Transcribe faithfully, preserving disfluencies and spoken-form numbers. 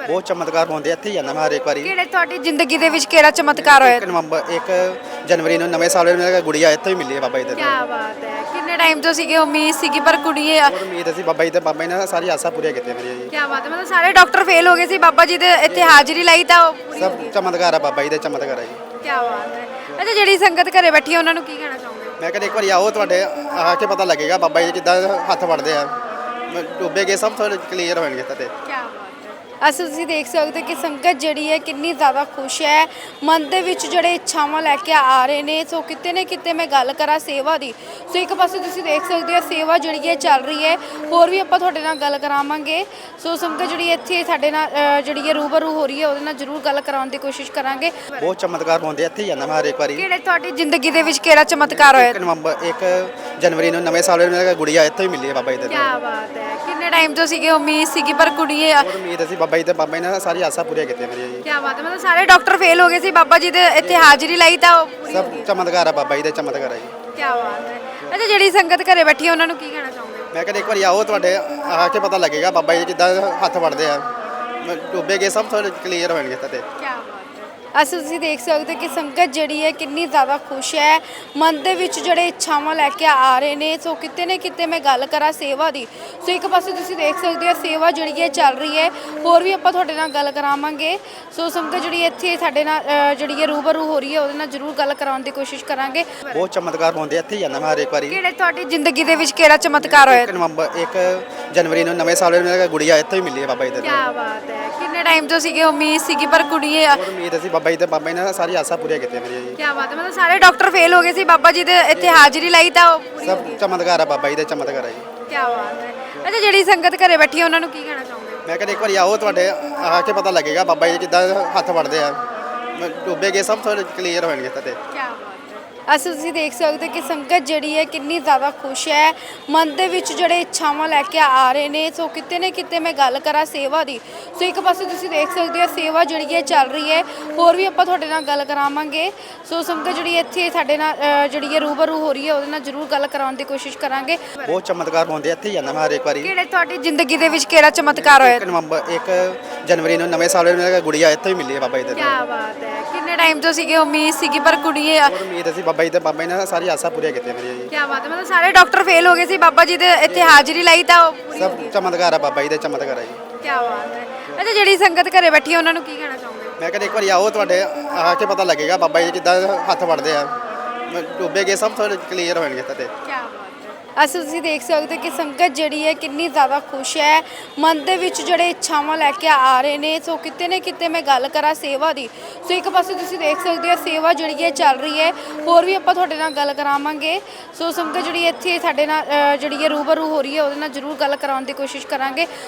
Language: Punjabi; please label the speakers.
Speaker 1: ਬਾਰੇ?
Speaker 2: ਬਹੁਤ ਚਮਤਕਾਰ ਹੁੰਦੇ ਇੱਥੇ ਹੀ ਜਾਂਦਾ ਮੈਂ ਹਰ ਇੱਕ ਵਾਰੀ।
Speaker 1: ਕਿਹੜੇ ਤੁਹਾਡੀ ਜ਼ਿੰਦਗੀ ਦੇ ਵਿੱਚ ਕਿਹੜਾ ਚਮਤਕਾਰ ਹੋਇਆ?
Speaker 2: ਇੱਕ ਨਵੰਬਰ ਇੱਕ ਜਨਵਰੀ ਨੂੰ ਨਵੇਂ ਸਾਲ ਨੂੰ ਗੁੜੀਆ ਇੱਥੇ ਹੀ ਮਿਲੀ ਹੈ ਬਾਬਾ ਜੀ ਦੇ।
Speaker 1: ਕੀ ਬਾਤ ਹੈ। ਕਿੰਨੇ ਟਾਈਮ ਤੋਂ ਸੀਗੇ ਉਮੀਦ ਸੀਗੀ ਪਰ ਕੁੜੀ ਇਹ
Speaker 2: ਬਹੁਤ ਉਮੀਦ ਸੀ ਬਾਬਾ ਜੀ ਤੇ, ਬਾਬਾ ਜੀ ਨੇ ਸਾਰੀ ਆਸਾਂ ਪੂਰੀਆਂ ਕੀਤੀਆਂ ਮੇਰੀਆਂ ਜੀ।
Speaker 1: ਕੀ ਬਾਤ ਹੈ। ਮਤਲਬ ਸਾਰੇ ਡਾਕਟਰ ਫੇਲ ਹੋ ਗਏ ਸੀ, ਬਾਬਾ ਜੀ ਦੇ ਇੱਥੇ ਹਾਜ਼ਰੀ ਲਾਈ ਤਾਂ ਉਹ ਪੂਰੀ ਹੋ
Speaker 2: ਸਭ
Speaker 1: ਗਈ।
Speaker 2: ਚਮਤਕਾਰ ਆ ਬਾਬਾ ਜੀ ਦੇ, ਚਮਤਕਾਰ ਆ ਜੀ।
Speaker 1: ਕੀ ਬਾਤ ਹੈ। ਅੱਛਾ, ਜਿਹੜੀ ਸੰਗਤ ਘਰੇ ਬੈਠੀ ਹੈ ਉਹਨਾਂ ਨੂੰ ਕੀ ਕਹਿਣਾ ਚਾਹੋਗੇ?
Speaker 2: ਮੈਂ ਕਹਿੰਦਾ ਇੱਕ ਵਾਰੀ ਆਓ, ਤੁਹਾਡੇ ਆ ਕੇ ਪਤਾ ਲੱਗੇਗਾ ਬਾਬਾ ਜੀ ਕਿੱਦਾਂ ਹੱਥ ਵੜਦੇ ਆ, ਡੁੱਬੇ ਗਏ ਸਭ ਥੋੜੇ ਕਲੀਅਰ ਹੋਣਗੇ ਤੇ।
Speaker 1: ਕੀ ਬਾਤ ਹੈ। ਅਸੀਂ ਤੁਸੀਂ ਦੇਖ ਸਕਦੇ ਕਿ ਸੰਗਤ ਜਿਹੜੀ ਹੈ ਕਿੰਨੀ ਜ਼ਿਆਦਾ ਖੁਸ਼ ਹੈ, ਮਨ ਦੇ ਵਿੱਚ ਜਿਹੜੇ ਇੱਛਾਵਾਂ ਲੈ ਕੇ ਆ ਰਹੇ ਨੇ। ਸੋ ਕਿਤੇ ਨਾ ਕਿਤੇ ਮੈਂ ਗੱਲ ਕਰਾਂ ਸੇਵਾ ਦੀ, ਸੋ ਇੱਕ ਪਾਸੇ ਤੁਸੀਂ ਦੇਖ ਸਕਦੇ ਹੋ ਸੇਵਾ ਜਿਹੜੀ ਹੈ ਚੱਲ ਰਹੀ ਹੈ। ਹੋਰ ਵੀ ਆਪਾਂ ਤੁਹਾਡੇ ਨਾਲ ਗੱਲ ਕਰਾਵਾਂਗੇ। ਸੋ ਸੰਗਤ ਜਿਹੜੀ ਇੱਥੇ ਸਾਡੇ ਨਾਲ ਅ, ਜਿਹੜੀ ਹੈ ਰੂਬਰੂ ਹੋ ਰਹੀ ਹੈ, ਉਹਦੇ ਨਾਲ ਜ਼ਰੂਰ ਗੱਲ ਕਰਾਉਣ ਦੀ ਕੋਸ਼ਿਸ਼ ਕਰਾਂਗੇ।
Speaker 2: ਬਹੁਤ ਚਮਤਕਾਰ ਹੁੰਦੇ ਇੱਥੇ ਹੀ ਜਾਂਦਾ ਮੈਂ ਹਰ ਇੱਕ ਵਾਰੀ।
Speaker 1: ਕਿਹੜੇ ਤੁਹਾਡੀ ਜ਼ਿੰਦਗੀ ਦੇ ਵਿੱਚ ਕਿਹੜਾ ਚਮਤਕਾਰ ਹੋਇਆ?
Speaker 2: ਇੱਕ ਨਵੰਬਰ ਇੱਕ ਜਨਵਰੀ ਨੂੰ ਨਵੇਂ ਸਾਲ ਨੂੰ ਗੁੜੀਆ ਇੱਥੇ ਹੀ ਮਿਲੀ ਹੈ ਬਾਬਾ ਜੀ ਦੇ।
Speaker 1: ਕੀ ਬਾਤ ਹੈ। ਕਿੰਨੇ ਟਾਈਮ ਤੋਂ ਸੀਗੇ ਉਮੀਦ ਸੀਗੀ ਪਰ ਕੁੜੀ ਇਹ
Speaker 2: ਬਹੁਤ ਉਮੀਦ ਸੀ ਬਾਬਾ ਜੀ ਤੇ, ਬਾਬਾ ਜੀ ਨੇ ਸਾਰੀ ਆਸਾਂ ਪੂਰੀਆਂ ਕੀਤੀਆਂ ਮੇਰੀਆਂ ਜੀ।
Speaker 1: ਕੀ ਬਾਤ ਹੈ। ਮਤਲਬ ਸਾਰੇ ਡਾਕਟਰ ਫੇਲ ਹੋ ਗਏ ਸੀ, ਬਾਬਾ ਜੀ ਦੇ ਇੱਥੇ ਹਾਜ਼ਰੀ ਲਾਈ ਤਾਂ ਉਹ ਪੂਰੀ ਹੋ
Speaker 2: ਸਭ
Speaker 1: ਗਈ।
Speaker 2: ਚਮਤਕਾਰ ਆ ਬਾਬਾ ਜੀ ਦੇ, ਚਮਤਕਾਰ ਆ ਜੀ।
Speaker 1: ਕੀ ਬਾਤ ਹੈ। ਅੱਛਾ, ਜਿਹੜੀ ਸੰਗਤ ਘਰੇ ਬੈਠੀ ਹੈ ਉਹਨਾਂ ਨੂੰ ਕੀ ਕਹਿਣਾ ਚਾਹੋਗੇ?
Speaker 2: ਮੈਂ ਕਹਿੰਦਾ ਇੱਕ ਵਾਰੀ ਆਓ, ਤੁਹਾਡੇ ਆ ਕੇ ਪਤਾ ਲੱਗੇਗਾ ਬਾਬਾ ਜੀ ਕਿੱਦਾਂ ਹੱਥ ਵੜਦੇ ਆ, ਡੁੱਬੇ ਗਏ ਸਭ ਥੋੜੇ ਕਲੀਅਰ ਹੋਣਗੇ ਤੇ।
Speaker 1: ਕੀ ਬਾਤ ਹੈ। ਅਸੀਂ ਤੁਸੀਂ ਦੇਖ ਸਕਦੇ ਕਿ ਸੰਗਤ ਜਿਹੜੀ ਹੈ ਕਿੰਨੀ ਜ਼ਿਆਦਾ ਖੁਸ਼ ਹੈ, ਮਨ ਦੇ ਵਿੱਚ ਜਿਹੜੇ ਇੱਛਾਵਾਂ ਲੈ ਕੇ ਆ ਰਹੇ ਨੇ। ਸੋ ਕਿਤੇ ਨਾ ਕਿਤੇ ਮੈਂ ਗੱਲ ਕਰਾਂ ਸੇਵਾ ਦੀ, ਸੋ ਇੱਕ ਪਾਸੇ ਤੁਸੀਂ ਦੇਖ ਸਕਦੇ ਹੋ ਸੇਵਾ ਜਿਹੜੀ ਹੈ ਚੱਲ ਰਹੀ ਹੈ। ਹੋਰ ਵੀ ਆਪਾਂ ਤੁਹਾਡੇ ਨਾਲ ਗੱਲ ਕਰਾਵਾਂਗੇ। ਸੋ ਸੰਗਤ ਜਿਹੜੀ ਇੱਥੇ ਸਾਡੇ ਨਾਲ ਅ, ਜਿਹੜੀ ਹੈ ਰੂਬਰੂ ਹੋ ਰਹੀ ਹੈ, ਉਹਦੇ ਨਾਲ ਜ਼ਰੂਰ ਗੱਲ ਕਰਾਉਣ ਦੀ ਕੋਸ਼ਿਸ਼ ਕਰਾਂਗੇ।
Speaker 2: ਬਹੁਤ ਚਮਤਕਾਰ ਹੁੰਦੇ ਇੱਥੇ ਹੀ ਜਾਂਦਾ ਮੈਂ ਹਰ ਇੱਕ ਵਾਰੀ।
Speaker 1: ਕਿਹੜੇ ਤੁਹਾਡੀ ਜ਼ਿੰਦਗੀ ਦੇ ਵਿੱਚ ਕਿਹੜਾ ਚਮਤਕਾਰ ਹੋਇਆ?
Speaker 2: ਇੱਕ ਨਵੰਬਰ ਇੱਕ ਜਨਵਰੀ ਨੂੰ ਨਵੇਂ ਸਾਲ ਨੂੰ ਗੁੜੀਆ ਇੱਥੇ ਹੀ ਮਿਲੀ ਹੈ ਬਾਬਾ ਜੀ ਦੇ।
Speaker 1: ਕੀ ਬਾਤ ਹੈ। ਕਿੰਨੇ ਟਾਈਮ ਤੋਂ ਸੀਗੇ ਉਮੀਦ ਸੀਗੀ ਪਰ ਕੁੜੀ ਇਹ
Speaker 2: ਬਹੁਤ ਉਮੀਦ ਸੀ ਬਾਬਾ ਜੀ ਤੇ, ਬਾਬਾ ਜੀ ਨੇ ਸਾਰੀ ਆਸਾਂ ਪੂਰੀਆਂ ਕੀਤੀਆਂ ਮੇਰੀਆਂ ਜੀ।
Speaker 1: ਕੀ ਬਾਤ ਹੈ। ਮਤਲਬ ਸਾਰੇ ਡਾਕਟਰ ਫੇਲ ਹੋ ਗਏ ਸੀ, ਬਾਬਾ ਜੀ ਦੇ ਇੱਥੇ ਹਾਜ਼ਰੀ ਲਾਈ ਤਾਂ ਉਹ ਪੂਰੀ ਹੋ
Speaker 2: ਸਭ
Speaker 1: ਗਈ।
Speaker 2: ਚਮਤਕਾਰ ਆ ਬਾਬਾ ਜੀ ਦੇ, ਚਮਤਕਾਰ ਆ ਜੀ।
Speaker 1: ਕੀ ਬਾਤ ਹੈ। ਅੱਛਾ, ਜਿਹੜੀ ਸੰਗਤ ਘਰੇ ਬੈਠੀ ਹੈ ਉਹਨਾਂ ਨੂੰ ਕੀ ਕਹਿਣਾ ਚਾਹੋਗੇ?
Speaker 2: ਮੈਂ ਕਹਿੰਦਾ ਇੱਕ ਵਾਰੀ ਆਓ, ਤੁਹਾਡੇ ਆ ਕੇ ਪਤਾ ਲੱਗੇਗਾ ਬਾਬਾ ਜੀ ਕਿੱਦਾਂ ਹੱਥ ਵੜਦੇ ਆ, ਡੁੱਬੇ ਗਏ ਸਭ ਥੋੜੇ ਕਲੀਅਰ ਹੋਣਗੇ ਤੇ।
Speaker 1: ਕੀ ਬਾਤ ਹੈ। ਅਸੀਂ ਤੁਸੀਂ ਦੇਖ ਸਕਦੇ ਕਿ ਸੰਗਤ ਜਿਹੜੀ ਹੈ ਕਿੰਨੀ ਜ਼ਿਆਦਾ ਖੁਸ਼ ਹੈ, ਮਨ ਦੇ ਵਿੱਚ ਜਿਹੜੇ ਇੱਛਾਵਾਂ ਲੈ ਕੇ ਆ ਰਹੇ ਨੇ। ਸੋ ਕਿਤੇ ਨਾ ਕਿਤੇ ਮੈਂ ਗੱਲ ਕਰਾਂ ਸੇਵਾ ਦੀ, ਸੋ ਇੱਕ ਪਾਸੇ ਤੁਸੀਂ ਦੇਖ ਸਕਦੇ ਹੋ ਸੇਵਾ ਜਿਹੜੀ ਹੈ ਚੱਲ ਰਹੀ ਹੈ। ਹੋਰ ਵੀ ਆਪਾਂ ਤੁਹਾਡੇ ਨਾਲ ਗੱਲ ਕਰਾਵਾਂਗੇ। ਸੋ ਸੰਗਤ ਜਿਹੜੀ ਇੱਥੇ ਸਾਡੇ ਨਾਲ ਅ, ਜਿਹੜੀ ਹੈ ਰੂਬਰੂ ਹੋ ਰਹੀ ਹੈ, ਉਹਦੇ ਨਾਲ ਜ਼ਰੂਰ ਗੱਲ ਕਰਾਉਣ ਦੀ ਕੋਸ਼ਿਸ਼ ਕਰਾਂਗੇ।
Speaker 2: ਬਹੁਤ ਚਮਤਕਾਰ ਹੁੰਦੇ ਇੱਥੇ ਹੀ ਜਾਂਦਾ ਮੈਂ ਹਰ ਇੱਕ ਵਾਰੀ।
Speaker 1: ਕਿਹੜੇ ਤੁਹਾਡੀ ਜ਼ਿੰਦਗੀ ਦੇ ਵਿੱਚ ਕਿਹੜਾ ਚਮਤਕਾਰ ਹੋਇਆ?
Speaker 2: ਇੱਕ ਨਵੰਬਰ ਇੱਕ ਜਨਵਰੀ ਨੂੰ ਨਵੇਂ ਸਾਲ ਨੂੰ ਗੁੜੀਆ ਇੱਥੇ ਹੀ ਮਿਲੀ ਹੈ ਬਾਬਾ ਜੀ ਦੇ।
Speaker 1: ਕੀ ਬਾਤ ਹੈ। ਕਿੰਨੇ ਟਾਈਮ ਤੋਂ ਸੀਗੇ ਉਮੀਦ ਸੀਗੀ ਪਰ ਕੁੜੀ ਇਹ
Speaker 2: ਬਹੁਤ ਉਮੀਦ ਸੀ ਬਾਬਾ ਜੀ ਤੇ, ਬਾਬਾ ਜੀ ਨੇ ਸਾਰੀ ਆਸਾਂ ਪੂਰੀਆਂ ਕੀਤੀਆਂ ਮੇਰੀਆਂ ਜੀ।
Speaker 1: ਕੀ ਬਾਤ ਹੈ। ਮਤਲਬ ਸਾਰੇ ਡਾਕਟਰ ਫੇਲ ਹੋ ਗਏ ਸੀ, ਬਾਬਾ ਜੀ ਦੇ ਇੱਥੇ ਹਾਜ਼ਰੀ ਲਾਈ ਤਾਂ ਉਹ ਪੂਰੀ ਹੋ
Speaker 2: ਸਭ
Speaker 1: ਗਈ।
Speaker 2: ਚਮਤਕਾਰ ਆ ਬਾਬਾ ਜੀ ਦੇ, ਚਮਤਕਾਰ ਆ ਜੀ।
Speaker 1: ਕੀ ਬਾਤ ਹੈ। ਅੱਛਾ, ਜਿਹੜੀ ਸੰਗਤ ਘਰੇ ਬੈਠੀ ਹੈ ਉਹਨਾਂ ਨੂੰ ਕੀ ਕਹਿਣਾ ਚਾਹੋਗੇ?
Speaker 2: ਮੈਂ ਕਹਿੰਦਾ ਇੱਕ ਵਾਰੀ ਆਓ, ਤੁਹਾਡੇ ਆ ਕੇ ਪਤਾ ਲੱਗੇਗਾ ਬਾਬਾ ਜੀ ਕਿੱਦਾਂ ਹੱਥ ਵੜਦੇ ਆ, ਡੁੱਬੇ ਗਏ ਸਭ ਥੋੜੇ ਕਲੀਅਰ ਹੋਣਗੇ ਤੇ।
Speaker 1: ਕੀ ਬਾਤ ਹੈ। ਅਸੀਂ ਤੁਸੀਂ ਦੇਖ ਸਕਦੇ ਕਿ ਸੰਗਤ ਜਿਹੜੀ ਹੈ ਕਿੰਨੀ ਜ਼ਿਆਦਾ ਖੁਸ਼ ਹੈ, ਮਨ ਦੇ ਵਿੱਚ ਜਿਹੜੇ ਇੱਛਾਵਾਂ ਲੈ ਕੇ ਆ ਰਹੇ ਨੇ। ਸੋ ਕਿਤੇ ਨਾ ਕਿਤੇ ਮੈਂ ਗੱਲ ਕਰਾਂ ਸੇਵਾ ਦੀ, ਸੋ ਇੱਕ ਪਾਸੇ ਤੁਸੀਂ ਦੇਖ ਸਕਦੇ ਹੋ ਸੇਵਾ ਜਿਹੜੀ ਹੈ ਚੱਲ ਰਹੀ ਹੈ। ਹੋਰ ਵੀ ਆਪਾਂ ਤੁਹਾਡੇ ਨਾਲ ਗੱਲ ਕਰਾਵਾਂਗੇ। ਸੋ ਸੰਗਤ ਜਿਹੜੀ ਇੱਥੇ ਸਾਡੇ ਨਾਲ ਅ, ਜਿਹੜੀ ਹੈ ਰੂਬਰੂ ਹੋ ਰਹੀ ਹੈ, ਉਹਦੇ ਨਾਲ ਜ਼ਰੂਰ ਗੱਲ ਕਰਾਉਣ ਦੀ ਕੋਸ਼ਿਸ਼ ਕਰਾਂਗੇ।